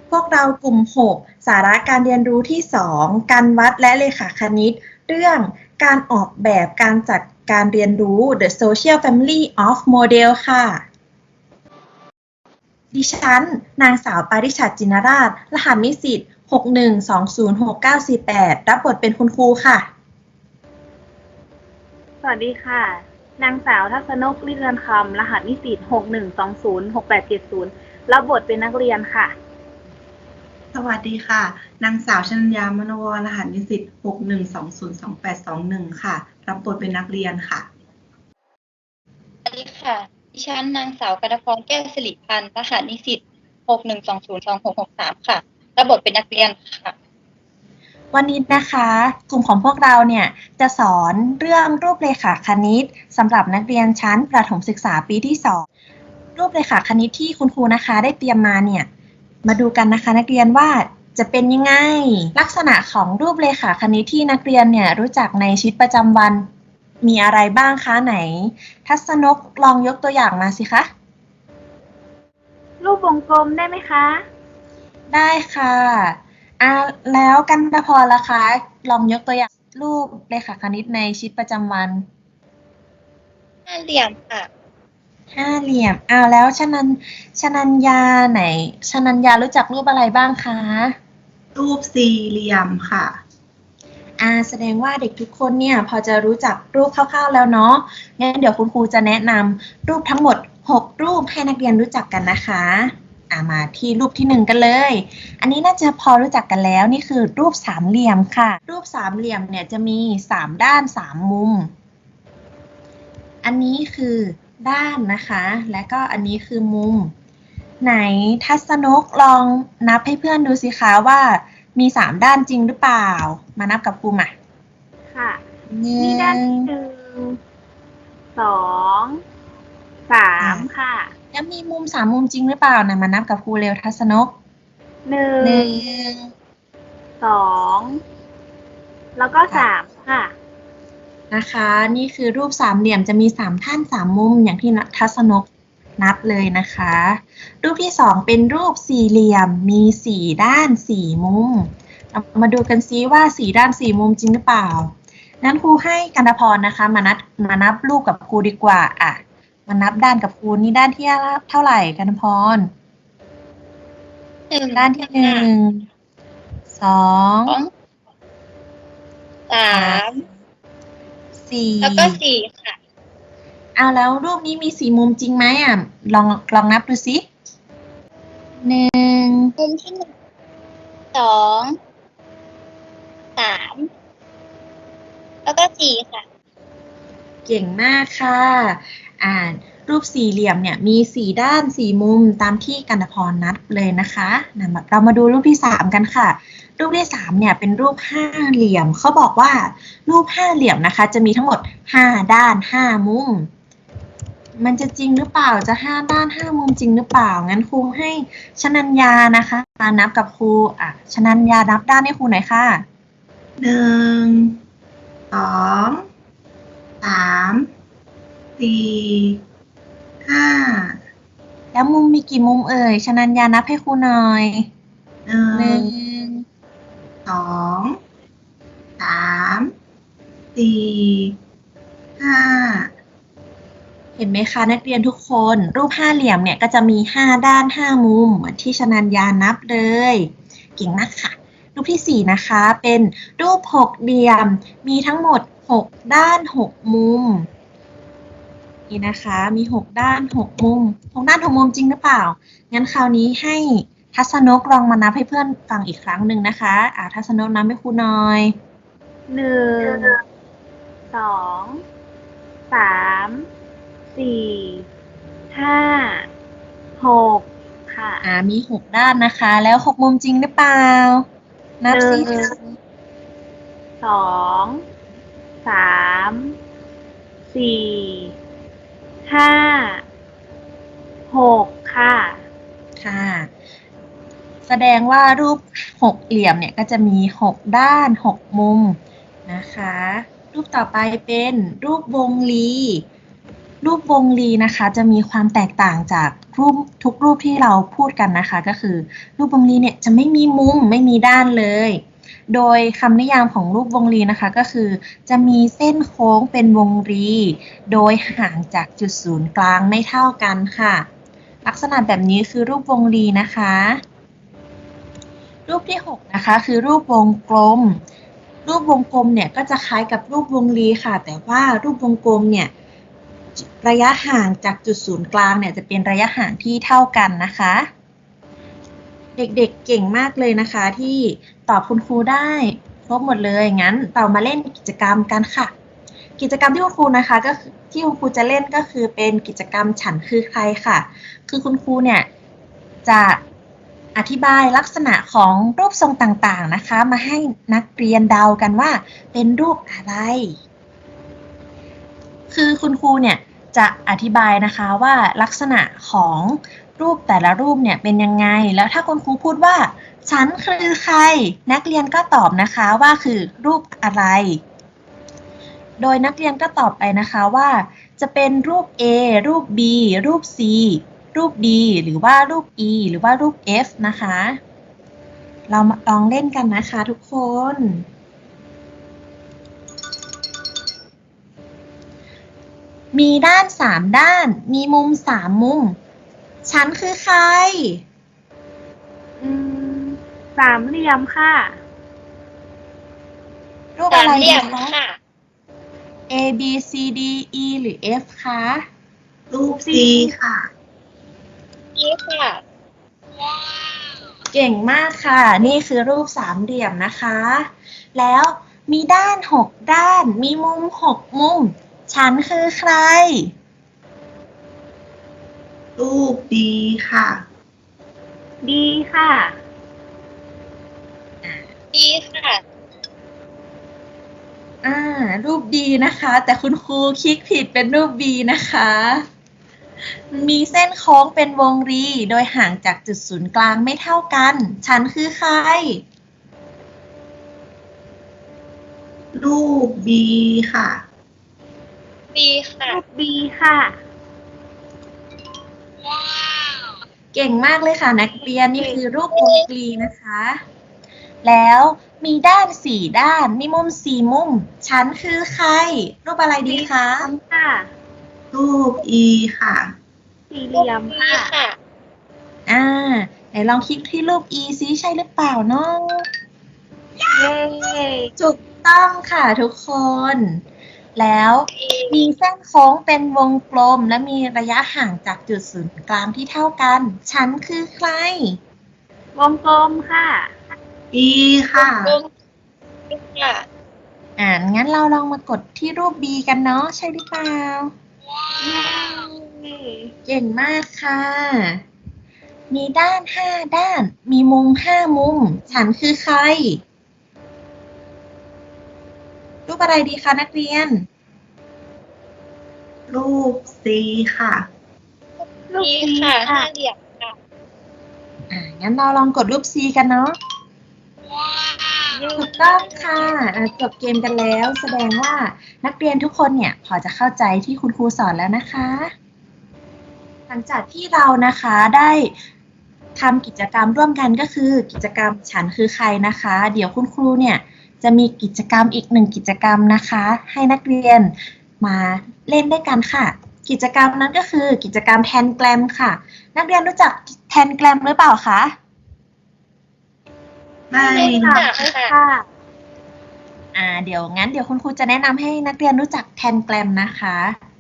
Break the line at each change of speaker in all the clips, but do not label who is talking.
พวกเรากลุ่ม 6 สาระการเรียนรู้ที่ 2 การวัดและเลขาคณิต เรื่องการออกแบบการจัดการเรียนรู้ The Social Family of Model ค่ะ ดิฉัน นางสาวปาริชัด จินราช รหัสนิสิต 61206948 รับบทเป็นคุณครูค่ะ
สวัสดีค่ะ นางสาวทัศนก ลิเรือนคำ รหัสนิสิต 61206870 รับบทเป็นนักเรียนค่ะ
สวัสดีค่ะ นางสาวชนัญญามโนวร รหัสนิสิต 61202821 ค่ะ รับบทเป็นนักเรียนค่ะ
สวัสดีค่ะ ดิฉันนางสาวกนพร แก้วสิริพันธ์ รหัสนิสิต 61202663 ค่ะ รับบทเป็นนักเรียนค่ะ
วันนี้นะคะ กลุ่มของพวกเราเนี่ยจะสอนเรื่องรูปเลขาคณิตสำหรับนักเรียนชั้นประถมศึกษาปีที่ 2 รูปเลขาคณิตที่คุณครูนะคะได้เตรียมมาเนี่ยมาดูกันนะคะนักเรียนว่าจะเป็นยังไง ลักษณะของรูปเลขาคณิตที่นักเรียนเนี่ยรู้จักในชีวิตประจำวันมีอะไรบ้างคะไหน ทัศนกลองยกตัวอย่างมาสิคะ
รูปวงกลมได้ไหมคะ
ได้ค่ะแล้วกันตพรล่ะคะ ลองยกตัวอย่างรูปเลขาคณิตในชีวิตประจำวัน
ห้าเหลี่ยมค่ะ
ห้าเหลี่ยมแล้วชนัญญาไหนชนัญญารู้จักรูปอะไรบ้างคะ
รูปสี่เหลี่ยมค่ะ
แสดงว่าเด็กทุกคนเนี่ยพอจะรู้จักรูปคร่าวๆแล้วเนาะงั้นเดี๋ยวคุณครูจะแนะนำรูปทั้งหมด6รูปให้นักเรียนรู้จักกันนะคะมาที่รูปที่1กันเลย อันนี้น่าจะพอรู้จักกันแล้วนี่คือรูปสามเหลี่ยมค่ะ รูปสามเหลี่ยมเนี่ยจะมี3ด้าน3มุมอันนี้คือด้านนะคะและก็อันนี้คือมุมไหนทัศนกลองนับให้เพื่อนดูสิคะว่ามี3ด้านจริงหรือเปล่ามานับกับครูมา
ค่ะนี่ด้านที่1 2 3 ค่ะ
แล้วมีมุม3มุมจริงหรือเปล่านะมานับกับครูเร็วทัศนก
1 2 แล้วก็ 3 ค่ะ
นะคะนี่คือรูปสามเหลี่ยมจะมี3ท่าน3มุมอย่างที่ทัศนกนับเลยนะคะรูปที่2เป็นรูปสี่เหลี่ยมมี4ด้าน4มุมเรามาดูกันซิว่า4ด้าน4มุมจริงหรือเปล่างั้นครูให้กันตพรนะคะมานับรูปกับครูดีกว่ามานับด้านกับครูนี่ด้านที่เท่าไหร่กันตพรด้านที่1 2
3
4
แล้วก็4ค่ะ
แล้วรูปนี้มี4มุมจริงไหมลองนับดูสิ1
มุมที่1 2 3 แล้วก็4ค่ะ
เก่งมากค่ะรูปสี่เหลี่ยมเนี่ยมี4ด้าน4มุมตามที่กันตพรนับเลยนะคะเรามาดูรูปที่3กันค่ะรูปที่3เนี่ยเป็นรูปห้าเหลี่ยมเขาบอกว่ารูปห้าเหลี่ยมนะคะจะมีทั้งหมด5ด้าน5มุมมันจะจริงหรือเปล่าจะ5ด้าน5มุมจริงหรือเปล่างั้นครูให้ชนัญญานะคะมานับกับครูชนัญญานับด้านให้ครูหน่อยค่ะ
1 2 3 4 5
แล้วมุมมีกี่มุมเอ่ยชนัญญานับให้ครูหน่อย
1 2 3 4 5
เห็นไหมคะนักเรียนทุกคนรูปห้าเหลี่ยมเนี่ยก็จะมี5ด้าน5มุมเหมือนที่ชนัญญานับเลยเก่งมากค่ะรูปที่4นะคะเป็นรูป6เหลี่ยมมีทั้งหมด6ด้าน6มุมนี่นะคะมี6ด้าน6มุม6ด้าน6มุมจริงหรือเปล่างั้นคราวนี้ให้ทัศนกลองมานับให้เพื่อนฟังอีกครั้งหนึ่งนะคะทัศนกนับให้ครูหน่อย
1 2 3 4 5 6 ค่ะ
มี6ด้านนะคะแล้ว6มุมจริงหรือเปล่านับสิ
1 2 3 4 5 6 ค่ะ
แสดงว่ารูป6เหลี่ยมเนี่ยก็จะมี6ด้าน6มุมนะคะรูปต่อไปเป็นรูปวงรีรูปวงรีนะคะจะมีความแตกต่างจากรูปทุกรูปที่เราพูดกันนะคะก็คือรูปวงรีเนี่ยจะไม่มีมุมไม่มีด้านเลยโดยคำนิยามของรูปวงรีนะคะก็คือจะมีเส้นโค้งเป็นวงรีโดยห่างจากจุดศูนย์กลางไม่เท่ากันค่ะลักษณะแบบนี้คือรูปวงรีนะคะรูปที่6นะคะคือรูปวงกลมรูปวงกลมเนี่ยก็จะคล้ายกับรูปวงรีค่ะแต่ว่ารูปวงกลมเนี่ยระยะห่างจากจุดศูนย์กลางเนี่ยจะเป็นระยะห่างที่เท่ากันนะคะเด็กๆเก่งมากเลยนะคะที่ตอบคุณครูได้ครบหมดเลยงั้นเรามาเล่นกิจกรรมกันค่ะกิจกรรมที่คุณครูนะคะก็คือที่คุณครูจะเล่นก็คือเป็นกิจกรรมฉันคือใครค่ะคือคุณครูเนี่ยจะอธิบายลักษณะของรูปทรงต่างๆนะคะมาให้นักเรียนเดากันว่าเป็นรูปอะไรคือคุณครูเนี่ยจะอธิบายนะคะว่าลักษณะของรูปแต่ละรูปเนี่ยเป็นยังไงแล้วถ้าคุณครูพูดว่าฉันคือใครนักเรียนก็ตอบนะคะว่าคือรูปอะไรโดยนักเรียนก็ตอบไปนะคะว่าจะเป็นรูป A รูป B รูป C รูป D หรือว่ารูป E หรือว่ารูป F นะคะเรามาลองเล่นกันนะคะทุกคนมีด้าน3ด้านมีมุม3มุมฉันคือใคร
สามเหลี่ยมค่ะ
รูป
สา
อะ
ม
ไร
เหลี่
ดี
ยม
คะ
ค่ะ
A B C D E หรือ F คะ
รูป C ค่ะ
นี่ค่ะ
เก่งมากค่ะนี่คือรูปสามเหลี่ยมนะคะแล้วมีด้าน6ด้านมีมุม6มุมฉันคือใคร
รูป D ค่ะ
ดีค่ะ
ดีค่ะ
รูป D นะคะแต่คุณครูคลิกผิดเป็นรูป B นะคะมีเส้นโค้งเป็นวงรีโดยห่างจากจุดศูนย์กลางไม่เท่ากันฉันคือใคร
รูป B ค่ะ
ดีค่ะ
รูปบีค่ะ
เก่งมากเลยค่ะนักเรียนนี่คือรูปวงรีนะคะแล้วมีด้าน4ด้านมีมุม4มุมฉันคือใครรูปอะไรดีคะ
ค่ะ
รูป E ค่ะ
สี่เหลี่ยม
ดี
ค่ะ
ค่ะ
ไหนลองคลิกที่รูป E ซิใช่หรือเปล่าเนาะ
เย้
ถูกต้องค่ะทุกคน แล้วมีเส้นโค้งเป็นวงกลมและมีระยะห่างจากจุดศูนย์กลางที่เท่ากันฉันคือใคร
วงกลมค่ะ
E ค่ะ
รูปค่ะ
งั้นเราลองมากดที่รูป B กันเนาะใช่หรือเปล่า
เย้
เก่งมากค่ะ มีด้าน5ด้าน มีมุม5มุม ฉันคือใคร รูปอะไรดีคะนักเรียน
รูป C ค่ะ
รูป
ดี
ซี
ค่ะ
ค่ะ
ห้าเหลี่ยมค่ะ
งั้นเราลองกดรูป C กันเนาะ ถูกต้องค่ะจบเกมกันแล้ว แสดงว่านักเรียนทุกคนเนี่ยพอจะเข้าใจที่คุณครูสอนแล้วนะคะ หลังจากที่เรานะคะได้ทำกิจกรรมร่วมกันก็คือกิจกรรมฉันคือใครนะคะ เดี๋ยวคุณครูเนี่ยจะมีกิจกรรมอีก1กิจกรรมนะคะ ให้นักเรียนมาเล่นด้วยกันค่ะ กิจกรรมนั้นก็คือกิจกรรมแทนแกรมค่ะ นักเรียนรู้จักแทนแกรมหรือเปล่าคะ
ไม่
ค่ะ ค่ะ
เดี๋ยวคุณครูจะแนะนำให้นักเรียนรู้จักแทนแกรมนะคะ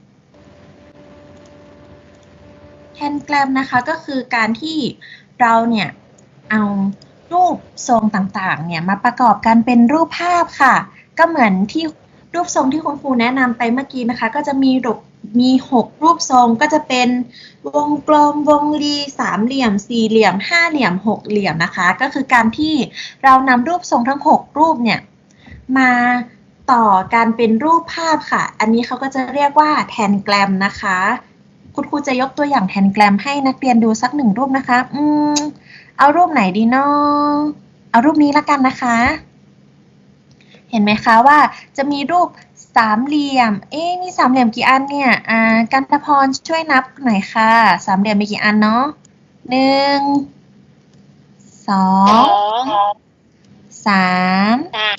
แทนแกรมนะคะก็คือการที่เราเนี่ยเอารูปทรงต่างๆเนี่ยมาประกอบกันเป็นรูปภาพค่ะก็เหมือนที่รูปทรงที่คุณครูแนะนำไปเมื่อกี้นะคะก็จะมี6รูปทรงก็จะเป็นวงกลมวงรีสามเหลี่ยมสี่เหลี่ยมห้าเหลี่ยม6เหลี่ยมนะคะก็คือการที่เรานำรูปทรงทั้ง6รูปเนี่ยมาต่อกันเป็นรูปภาพค่ะอันนี้เขาก็จะเรียกว่าแทนแกรมนะคะคุณครูจะยกตัวอย่างแทนแกรมให้นักเรียนดูสัก1รูปนะคะเอารูปไหนดีเนาะเอารูปนี้ละกันนะคะเห็นไหมคะว่าจะมีรูปสามเหลี่ยม มีสามเหลี่ยมกี่อันเนี่ยกันตพรช่วยนับหน่อยค่ะ สามเหลี่ยมมีกี่อันเนาะ1
สอ
2
ง
3
สาม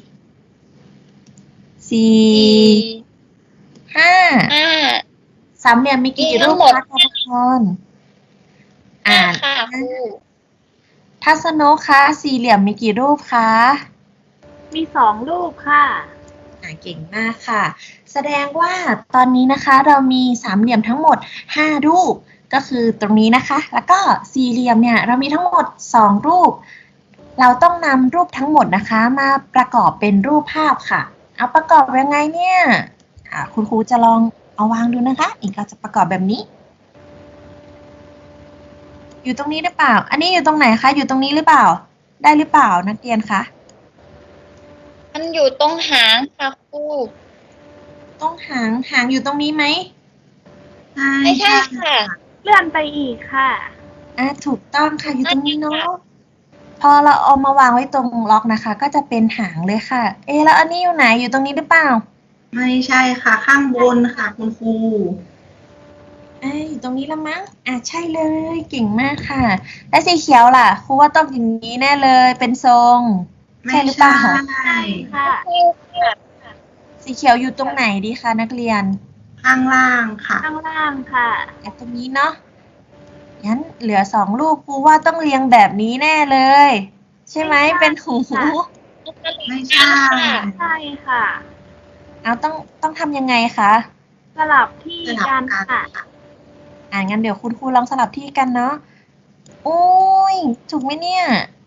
4
สี่
5
ห้า
สามเหลี่ยมมีกี่
มีทั้
รู
ง
ป
หมด
คะกันตพร
ห้าค่ะครู
ทัศนกคะสี่เหลี่ยมมีกี่รูปคะ
มี2 รูปค่ะ
เก่งมากค่ะ แสดงว่าตอนนี้นะคะเรามีสามเหลี่ยมทั้งหมด5รูปก็คือตรงนี้นะคะ แล้วก็สี่เหลี่ยมเนี่ยเรามีทั้งหมด2รูป เราต้องนำรูปทั้งหมดนะคะมาประกอบเป็นรูปภาพค่ะ เอาประกอบยังไงเนี่ยคุณครูจะลองเอาวางดูนะคะอีกเราจะประกอบแบบนี้ อยู่ตรงนี้หรือเปล่า อันนี้อยู่ตรงไหนคะ อยู่ตรงนี้หรือเปล่า ได้หรือเปล่านักเรียนคะ
มันอยู่ตรงหางค่ะครู
ต้องหางอยู่ตรงนี้ไหม
ไม่ใช่ค่ะ
เลื่อนไปอีกค่ะ
ถูกต้องค่ะอยู่ตรงนี้เนาะพอเราเอามาวางไว้ตรงล็อกนะคะ ก็จะเป็นหางเลยค่ะ แล้วอันนี้อยู่ไหนอยู่ตรงนี้หรือเปล่า
ไม่ใช่ค่ะ ข้างบนค่ะคุณครู
อยู่ตรงนี้ละมั้งใช่เลยเก่งมากค่ะ และสีเขียวล่ะครูว่าต้องอย่างนี้แน่เลยเป็นทรง
ไม่
ใช่หรือเปล่า
ใช่
ค่ะ
สีเขียวอยู่ตรงไหนดีคะนักเรียน
ข้างล่างค่ะ
ข้างล่างค่ะ
ตรงนี้เนาะงั้นเหลือ2รูปครูว่าต้องเรียงแบบนี้แน่เลย ใช่ไหม
ไม่ใช่
เป็นหู
ค่ะ
ไม่ใช่
ใช่ค่ะ
เอาต้องทำยังไงคะ
สลับที่
สลับ
กัน
กัน
ค่ะ
ค่ะ
งั้นเดี๋ยวคุณครูลองสลับที่กันเนาะโอ้ยถูกไหมเนี่ย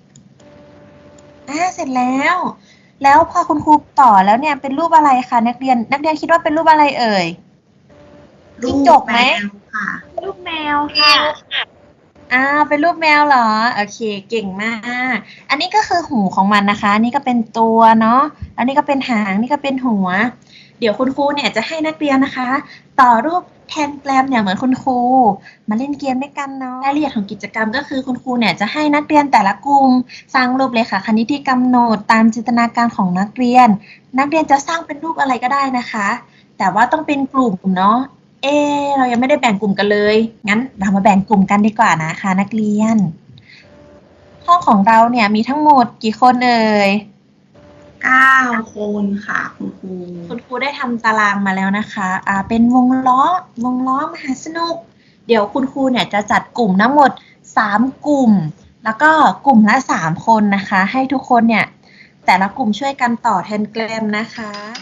เสร็จแล้ว แล้วพอคุณครูต่อแล้วเนี่ยเป็นรูปอะไรคะนักเรียนคิดว่าเป็นรูปอะไรเอ่ย จิ้งจกไหม
รูปแวค่ะ
ลูกแมวค่ะ
เป็นรูปแมวเหรอ โอเค เก่งมาก อันนี้ก็คือหูของมันนะคะ นี่ก็เป็นตัวเนาะ อันนี้ก็เป็นหาง นี่ก็เป็นหัว เดี๋ยวคุณครูเนี่ยจะให้นักเรียนนะคะ ต่อรูปแทนแกรมเนี่ยเหมือนคุณครู มาเล่นเกมด้วยกันเนาะ รายละเอียดของกิจกรรมก็คือคุณครูเนี่ยจะให้นักเรียนแต่ละกลุ่มสร้างรูปเลยค่ะคณิตที่กำหนดตามจินตนาการของนักเรียน นักเรียนจะสร้างเป็นรูปอะไรก็ได้นะคะ แต่ว่าต้องเป็นกลุ่มเนาะ เรายังไม่ได้แบ่งกลุ่มกันเลย งั้นเรามาแบ่งกลุ่มกันดีกว่านะคะนักเรียน ห้องของเราเนี่ยมีทั้งหมดกี่คนเอ่ย
9 คนค่ะคุณครู
คุณครูได้ทำตารางมาแล้วนะคะ เป็นวงล้อมหาสนุก เดี๋ยวคุณครูเนี่ยจะจัดกลุ่มทั้งหมด3กลุ่ม แล้วก็กลุ่มละ3คนนะคะ ให้ทุกคนเนี่ยแต่ละกลุ่มช่วยกันต่อแทนแกรมนะคะ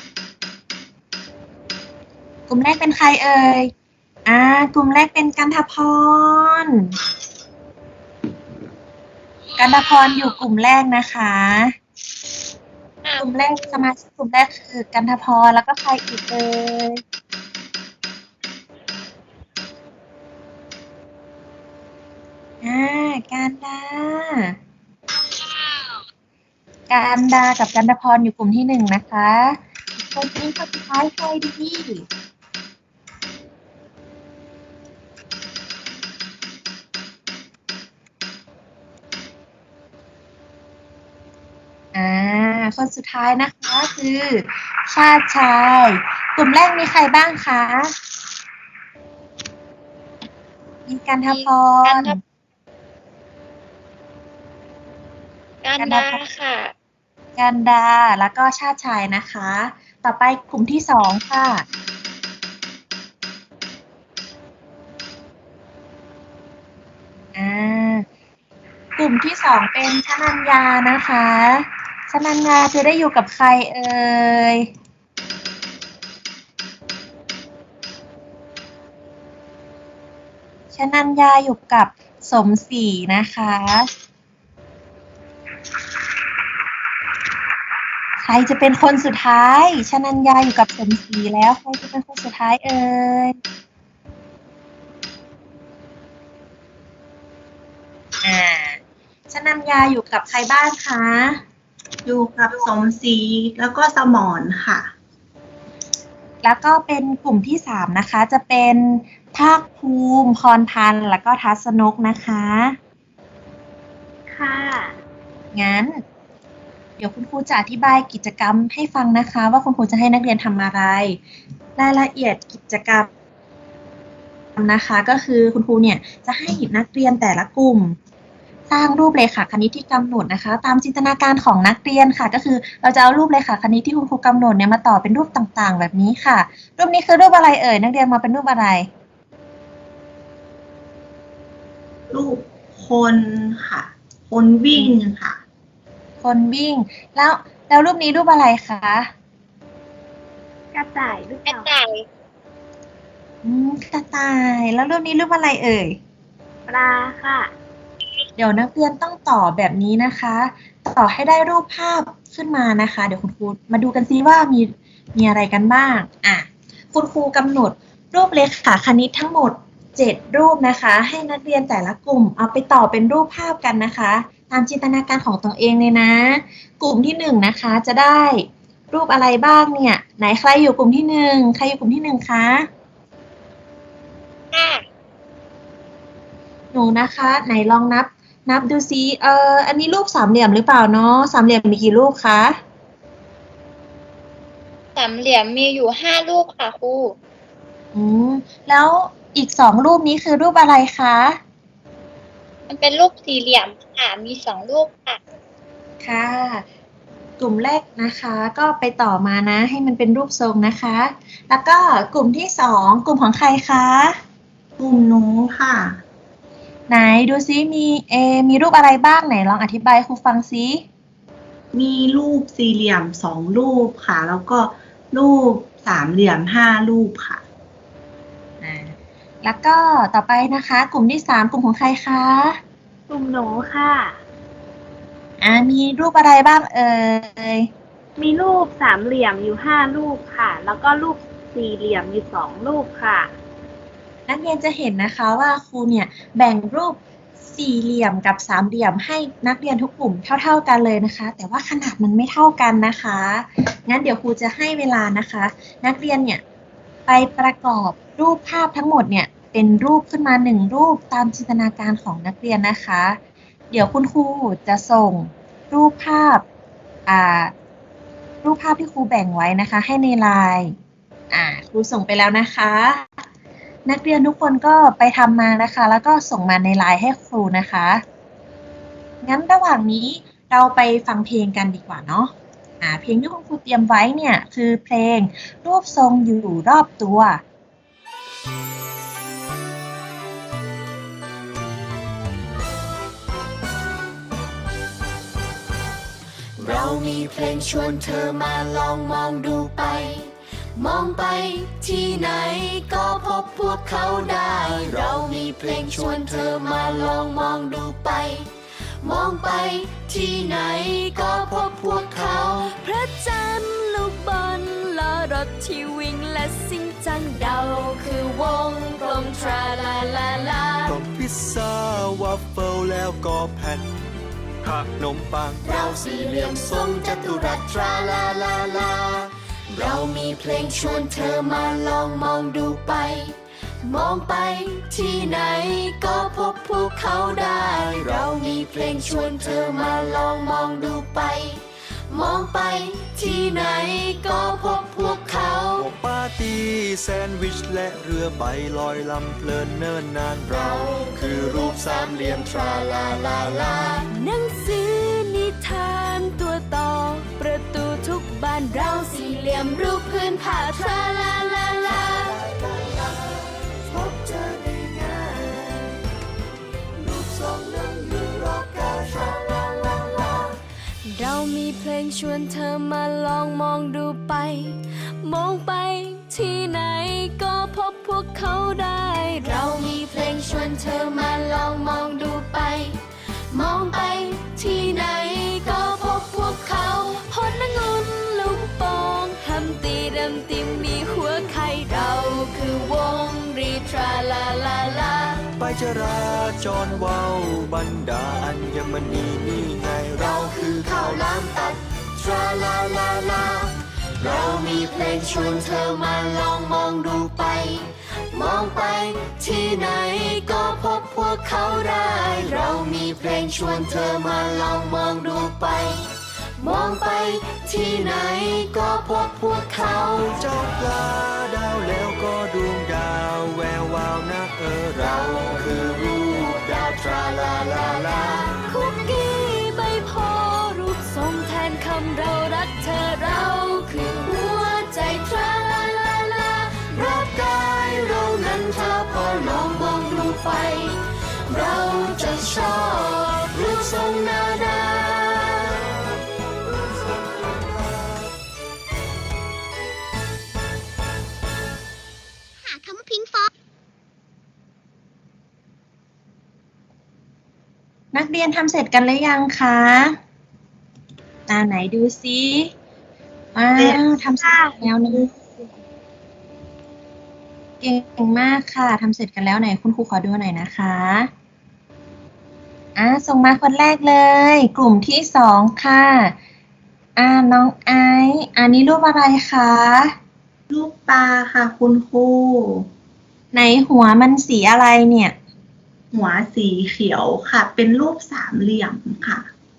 กลุ่มแรกเป็นใครเอ่ย กลุ่มแรกเป็นกันทพร กันทพรอยู่กลุ่มแรกนะคะ กลุ่มแรกสมาชิกกลุ่มแรกคือกันทพรแล้วก็ใครอีกเอ่ย การดา กับกันทพรอยู่กลุ่มที่1นะคะอีกคนนี้คนสุดท้ายใครดี คนสุดท้ายนะคะคือชาติชาย กลุ่มแรกมีใครบ้างคะ มีกันทพร
กันดาค่ะ
กันดา แล้วก็ชาติชายนะคะ ต่อไปกลุ่มที่2ค่ะ กลุ่มที่2เป็นชนัญญานะคะชนัญญาจะได้อยู่กับใครเอ่ย ชนัญญาอยู่กับสมศรีนะคะ ใครจะเป็นคนสุดท้ายชนัญญาอยู่กับสมศรีแล้วใครจะเป็นคนสุดท้ายเอ่ย ชนัญญาอยู่กับใครบ้างคะ
อยู่กับสมศรีแล้วก็สมรค่ะ
แล้วก็เป็นกลุ่มที่3นะคะ จะเป็นภาคภูมิพรพันธ์แล้วก็ทัศนกนะคะ
ค่ะ
งั้นดี๋ยวคุณครูจะอธิบายกิจกรรมให้ฟังนะคะ ว่าคุณครูจะให้นักเรียนทำอะไร รายละเอียดกิจกรรมนะคะก็คือคุณครูเนี่ยจะให้นักเรียนแต่ละกลุ่ม สร้างรูปเรขาคณิตที่กำหนดนะคะ ตามจินตนาการของนักเรียนค่ะ ก็คือเราจะเอารูปเรขาคณิตที่คุณครูกำหนดเนี่ยมาต่อเป็นรูปต่างๆ แบบนี้ค่ะ รูปนี้คือรูปอะไรเอ่ยนักเรียนมาเป็นรูปอะไร
รูปคนค่ะ คนวิ่งค่ะ
คนวิ่งแล้วรูปนี้รูปอะไรคะ
กระต่ายหรือเป
กระ
ล่า
ต่าย
กระต่ายแล้วรูปนี้รูปอะไรเอ่ย
ปลาค่ะ
เดี๋ยวนักเรียนต้องต่อแบบนี้นะคะ ต่อให้ได้รูปภาพขึ้นมานะคะ เดี๋ยวคุณครูมาดูกันซิว่ามีอะไรกันบ้างคุณครูกำหนดรูปเรขาคณิตทั้งหมด 7 รูปนะคะ ให้นักเรียนแต่ละกลุ่มเอาไปต่อเป็นรูปภาพกันนะคะ ตามจินตนาการของตัวเองเลยนะ กลุ่มที่1นะคะจะได้รูปอะไรบ้างเนี่ยไหนใครอยู่กลุ่มที่1ใครอยู่กลุ่มที่1คะ
ค่ะ
หนูนะคะไหนลองนับดูซิอันนี้รูปสามเหลี่ยมหรือเปล่าเนาะสามเหลี่ยมมีกี่รูปคะ
สามเหลี่ยมมีอยู่5ลูกค่ะครู
แล้วอีก2รูปนี้คือรูปอะไรคะ
มันเป็นรูปสี่เหลี่ยมค่ะมี2ลูกค่ะ
ค่ะ กลุ่มแรกนะคะก็ไปต่อมานะให้มันเป็นรูปทรงนะคะ แล้วก็กลุ่มที่2กลุ่มของใครคะ
กลุ่มหนูค่ะ
ไหนดูซิมีรูปอะไรบ้างไหนลองอธิบายให้ครูฟังซิ
มีรูปสี่เหลี่ยม2 รูปค่ะ แล้วก็รูปสามเหลี่ยม5 รูปค่ะ
แล้วก็ต่อไปนะคะ กลุ่มที่3กลุ่มของใครคะ
กลุ่มหนูค่ะ
มีรูปอะไรบ้างเอ่ย
มีรูปสามเหลี่ยมอยู่5รูปค่ะ แล้วก็รูปสี่เหลี่ยมอยู่2รูปค่ะ
นักเรียนจะเห็นนะคะว่าครูเนี่ยแบ่งรูปสี่เหลี่ยมกับสามเหลี่ยมให้นักเรียนทุกกลุ่มเท่าๆกันเลยนะคะ แต่ว่าขนาดมันไม่เท่ากันนะคะ งั้นเดี๋ยวครูจะให้เวลานะคะ นักเรียนเนี่ยไปประกอบรูปภาพทั้งหมดเนี่ยเป็นรูปขึ้นมา1รูปตามจินตนาการของนักเรียนนะคะ เดี๋ยวคุณครูจะส่งรูปภาพที่ครูแบ่งไว้นะคะ ให้ในไลน์ครูส่งไปแล้วนะคะ นักเรียนทุกคนก็ไปทำมานะคะ แล้วก็ส่งมาในไลน์ให้ครูนะคะ งั้นระหว่างนี้เราไปฟังเพลงกันดีกว่าเนาะเพลงที่คุณครูเตรียมไว้เนี่ยคือเพลงรูปทรงอยู่รอบตัว
เรามีเพลงชวนเธอมาลองมองดูไป มองไปที่ไหนก็พบพวกเขาได้ เรามีเพลงชวนเธอมาลองมองดูไป มองไปที่ไหนก็พบพวกเขา
พระจันทร์ลูกบอลล้อรถที่วิ่งและสิ่งจังเดาคือวงกลมทราลาลาลา
กล่องพิซซ่าวาฟเฟิลแล้วก็แผ่นขนมปัง
เราสี่เหลี่ยมทรงจัตุรัสทราลาลาลา เรามีเพลงชวนเธอมาลองมองดูไป มองไปที่ไหนก็พบพวกเขาได้ เรามีเพลงชวนเธอมาลองมองดูไป มองไปที่ไหนก็พบพวกเขา
พวกปาร์ตี้แซนด์วิชและเรือใบลอยลำเพลินเนิ่นนานเราคือรูปสามเหลี่ยมทราลาลาลา
หนังสือนิทานตัวต่อประตูทุกบานเราสี่เหลี่ยมรูปพื้นผ้าทราลาลาลา
พบเจอได้ง่ายรูปทรงนั้นอยู่รอบกายทราลาลาลา
เรามีเพลงชวนเธอมาลองมองดูไป มองไปที่ไหนก็พบพวกเขาได้
เรามีเพลงชวนเธอมาลองมองดูไป มองไปที่ไหนก็พบพวกเขา
ผลองุ่นลูกโป่งฮัมตีดำติมมีหัวไข่เราคือวงรีทราลาลาลา
ไปจราจรเว้าบรรดาอัญมณีนี่ไงเราคือข้าวหลามตัด
ทราลาลาลา เรามีเพลงชวนเธอมาลองมองดูไป มองไปที่ไหนก็พบพวกเขาได้ เรามีเพลงชวนเธอมาลองมองดูไปมองไปที่ไหนก็พบพวกเขา
เจ้าปลาดาวแล้วก็ดวงดาวแวววาวนะเราคือรูปดาวทราลาลาลา
คุกกี้ใบโพรูปทรงแทนคำเรารักเธอเราคือหัวใจทราลาลาลา
ร่างกายเรานั้นถ้าพอลองมองดูไป เราจะชอบรูปทรงนานา
หาคำว่าพิงฟอง
นักเรียนทำเสร็จกันหรือยังคะไหนดูซิว้าวทำเสร็จแล้วนะเก่งมากค่ะทำเสร็จกันแล้วไหนคุณครูขอดูหน่อยนะคะส่งมาคนแรกเลย กลุ่มที่2ค่ะน้องไอซ์อันนี้รูปอะไรคะ
รูปปลาค่ะคุณครู
ไหนหัวมันสีอะไรเนี่ย
หัวสีเขียวค่ะ เป็นรูปสามเหลี่ยมค่ะ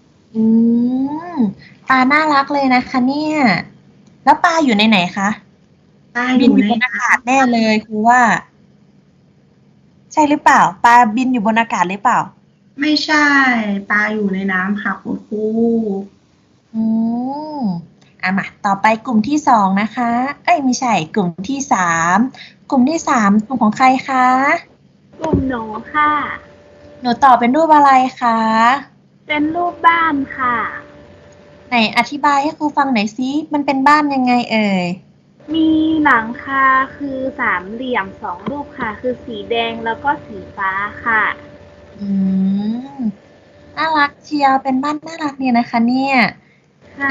ปลาน่ารักเลยนะคะเนี่ย แล้วปลาอยู่ในไหนคะ
ปลา
บินอยู่บนอากาศแน่เลยคือว่า ใช่หรือเปล่า ปลาบินอยู่บนอากาศหรือเปล่า
ไม่ใช่ ปลาอยู่ในน้ำค่ะคุณครู
มาต่อไปกลุ่มที่2นะคะ ไม่ใช่ กลุ่มที่3กลุ่มที่3กลุ่มของใครคะ
กลุ่มหนูค่ะ
หนูตอบเป็นรูปอะไรคะ
เป็นรูปบ้านค่ะ
ไหนอธิบายให้ครูฟังหน่อยซิมันเป็นบ้านยังไงเอ่ย
มีหลังคาคือสามเหลี่ยม2รูปค่ะ คือสีแดงแล้วก็สีฟ้าค่ะ
น่ารักเชียวเป็นบ้านน่ารักเนี่ยนะคะเนี่ย
ค่ะ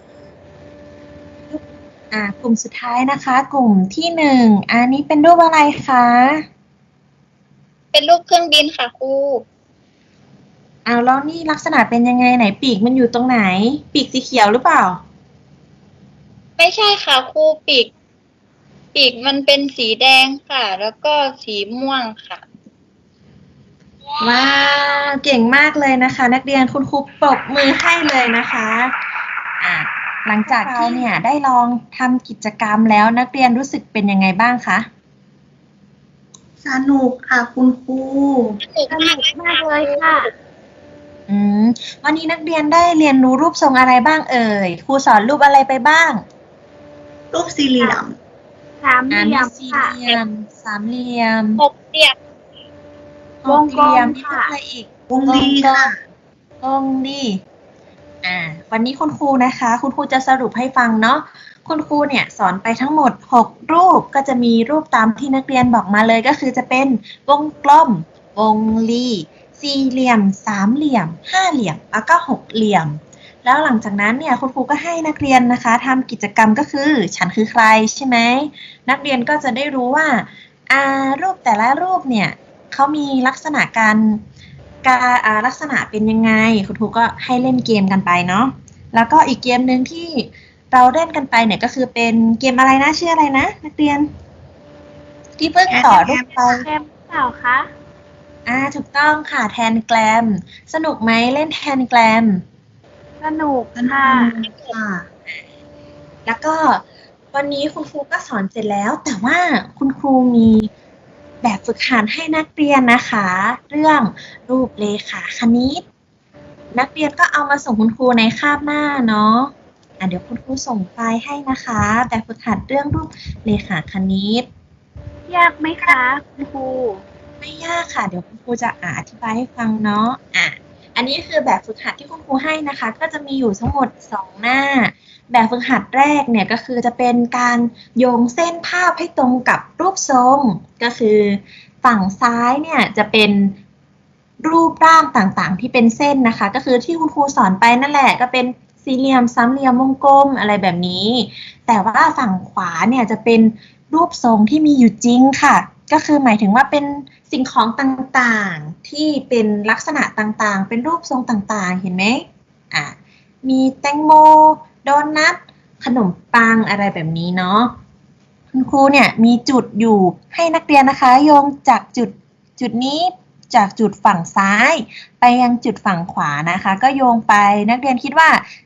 กลุ่มสุดท้ายนะคะ กลุ่มที่1อันนี้เป็นรูปอะไรคะ
เป็นรูปเครื่องบินค่ะครู
แล้วนี่ลักษณะเป็นยังไงไหนปีกมันอยู่ตรงไหน ปีกสีเขียวหรือเปล่า
ไม่ใช่ค่ะครูปีกมันเป็นสีแดงค่ะ แล้วก็สีม่วงค่ะ
ว้าวเก่งมากเลยนะคะ นักเรียนคุณครูปรบมือให้เลยนะคะหลังจากที่เนี่ยได้ลองทำกิจกรรมแล้วนักเรียนรู้สึกเป็นยังไงบ้างคะ
สนุกค่ะคุณครู
สนุกมากเลยค่ะ
วันนี้นักเรียนได้เรียนรู้รูปทรงอะไรบ้างเอ่ยครูสอนรูปอะไรไปบ้าง
รูปสี่เหลี่ยม
สามเหลี่ยม
สี่
ค่ะ
เหลี่ยมสามเหลี่ยม
6 เหลี่ยม
หกเหลี่ยม
วงกลม
มี
ค่ะ
อะไรอีก
วงรีค่ะ
วงรีวันนี้คุณครูนะคะ คุณครูจะสรุปให้ฟังเนาะคุณครูเนี่ยสอนไปทั้งหมด6รูปก็จะมีรูปตามที่นักเรียนบอกมาเลยก็คือจะเป็นวงกลมวงรีสี่เหลี่ยมสามเหลี่ยมห้าเหลี่ยมแล้วก็6เหลี่ยมแล้วหลังจากนั้นเนี่ยคุณครูก็ให้นักเรียนนะคะทำกิจกรรมก็คือฉันคือใครใช่ไหมนักเรียนก็จะได้รู้ว่ารูปแต่ละรูปเนี่ยเขามีลักษณะลักษณะเป็นยังไงคุณครูก็ให้เล่นเกมกันไปเนาะแล้วก็อีกเกมหนึ่งที่เราเล่นกันไปเนี่ยก็คือเป็นเกมอะไรนะชื่ออะไรนะนักเรียนที่เพิ่งต่อรูปไป
แคมเปล่าคะ
ถูกต้องค่ะแทนแกรมสนุกไหมเล่นแทนแกรม
สนุก
สนุ
ค่ะ
กค่ะ
แล้วก็วันนี้คุณครูก็สอนเสร็จแล้วแต่ว่าคุณครูมีแบบฝึกหัดให้นักเรียนนะคะ เรื่องรูปเลขาคณิตนักเรียนก็เอามาส่งคุณครูในคาบหน้าเนาะเดี๋ยวคุณครูส่งไฟล์ให้นะคะแบบฝึกหัดเรื่องรูปเลขาคณิต
ยากไหมคะคุณครู
ไม่ยากค่ะเดี๋ยวคุณครูจะอธิบายให้ฟังเนาะอันนี้คือแบบฝึกหัดที่คุณครูให้นะคะ ก็จะมีอยู่ทั้งหมด2หน้าแบบฝึกหัดแรกเนี่ยก็คือจะเป็นการโยงเส้นภาพให้ตรงกับรูปทรงก็คือฝั่งซ้ายเนี่ยจะเป็นรูปร่างต่างๆที่เป็นเส้นนะคะก็คือที่คุณครูสอนไปนั่นแหละก็เป็นสี่เหลี่ยมสามเหลี่ยมวงกลมอะไรแบบนี้แต่ว่าฝั่งขวาเนี่ยจะเป็นรูปทรงที่มีอยู่จริงค่ะก็คือหมายถึงว่าเป็นสิ่งของต่างๆที่เป็นลักษณะต่างๆเป็นรูปทรงต่างๆเห็นไหมมีแตงโมโดนัทขนมปังอะไรแบบนี้เนาะคุณครูเนี่ยมีจุดอยู่ให้นักเรียนนะคะโยงจากจุดนี้จากจุดฝั่งซ้ายไปยังจุดฝั่งขวานะคะก็โยงไปนักเรียนคิดว่า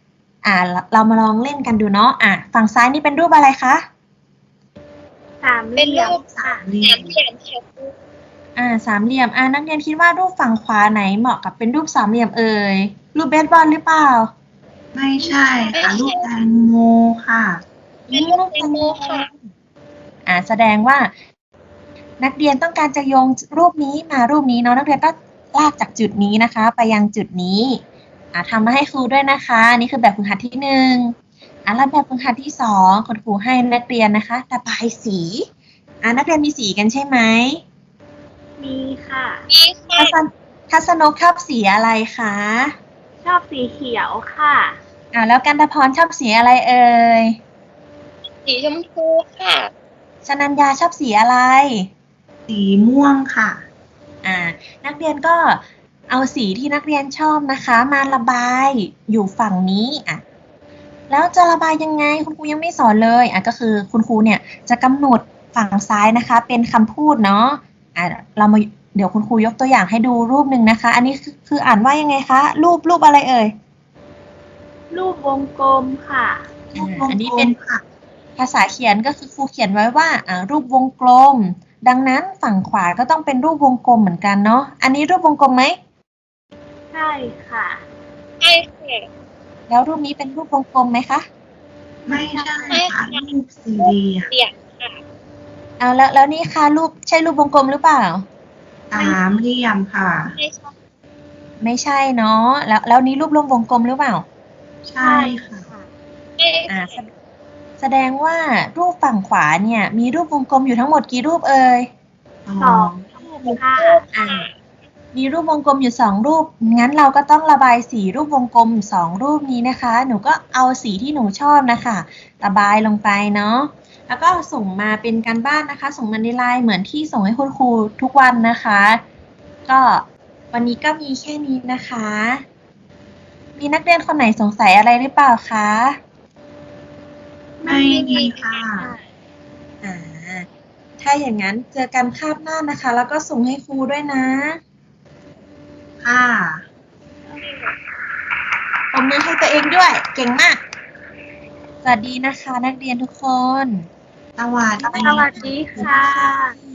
เรามาลองเล่นกันดูเนาะฝั่งซ้ายนี่เป็นรูปอะไรคะ
สามเห
เป็น
ลี่ย
รู
ม
ป
ค่ะ
สามเหลี่ยมค่ะ
สามเหลี่ยมนักเรียนคิดว่ารูปฝั่งขวาไหนเหมาะกับเป็นรูปสามเหลี่ยมเอ่ยรูปเบสบอลหรือเปล่า
ไม่ใช่ค่ะรูปแตงโมค่ะ
เป็นรูปแตงโมค่ะ
แสดงว่า นักเรียนต้องการจะโยงรูปนี้มารูปนี้เนาะนักเรียนก็ลากจากจุดนี้นะคะ ไปยังจุดนี้ทำมาให้ครูด้วยนะคะนี่คือแบบฝึกหัดที่1แล้วแบบฝึกหัดที่2คุณครูให้นักเรียนนะคะระบายสีนักเรียนมีสีกันใช่ไหม
มีค่ะ
นี่ค่ะ
ทัศนกชอบสีอะไรคะ
ชอบสีเขียวค่ะ
แล้วกันตพรชอบสีอะไรเอ่ย
สีชมพูค่ะ
ชนัญญาชอบสีอะไร
สีม่วงค่ะ
นักเรียนก็เอาสีที่นักเรียนชอบนะคะมาระบายอยู่ฝั่งนี้แล้วจะระบายยังไงคุณครูยังไม่สอนเลยก็คือคุณครูเนี่ยจะกำหนดฝั่งซ้ายนะคะเป็นคำพูดเนาะเดี๋ยวคุณครูยกตัวอย่างให้ดูรูปหนึ่งนะคะ อันนี้คืออ่านว่ายังไงคะรูปอะไรเอ่ย
รูปวงกลมค่ะ
อันนี้เป็นภาษาเขียนก็คือครูเขียนไว้ว่ารูปวงกลม ดังนั้นฝั่งขวาก็ต้องเป็นรูปวงกลมเหมือนกันเนาะอันนี้รูปวงกลมไหม
ใช่ค่ะ
ใช่ค่ะ
แล้วรูปนี้เป็นรูปวงกลมไหมคะ
ไม่ใช่ค่ะรูปสี่เหลี่ยม
เสียงค่ะ
แล้วนี่ค่ะรูปใช่รูปวงกลมหรือเปล่า
สามเหลี่ยมค่ะ
ไม่ใช่
ไม่ใช่เนาะแล้วนี้รูปวงกลมหรือเปล่า
ใช่ค่ะ
ไม่
แสดงว่ารูปฝั่งขวาเนี่ยมีรูปวงกลมอยู่ทั้งหมดกี่รูปเอ่ย
สองรูปค่ะ
มีรูปวงกลมอยู่2รูปงั้นเราก็ต้องระบายสีรูปวงกลม2รูปนี้นะคะ หนูก็เอาสีที่หนูชอบนะคะระบายลงไปเนาะแล้วก็ส่งมาเป็นการบ้านนะคะ ส่งมาในไลน์เหมือนที่ส่งให้คุณครูทุกวันนะคะ ก็วันนี้ก็มีแค่นี้นะคะ มีนักเรียนคนไหนสงสัยอะไรหรือเปล่าคะ
ไม่มีค่ะ
ถ้าอย่างนั้นเจอกันคาบหน้านะคะ แล้วก็ส่งให้ครูด้วยนะ
ค่ะ
ปรบมือให้ตัวเองด้วย เก่งมาก สวัสดีนะคะ นักเรียนทุกคน
สวัสดี
สวัสดีค่ะ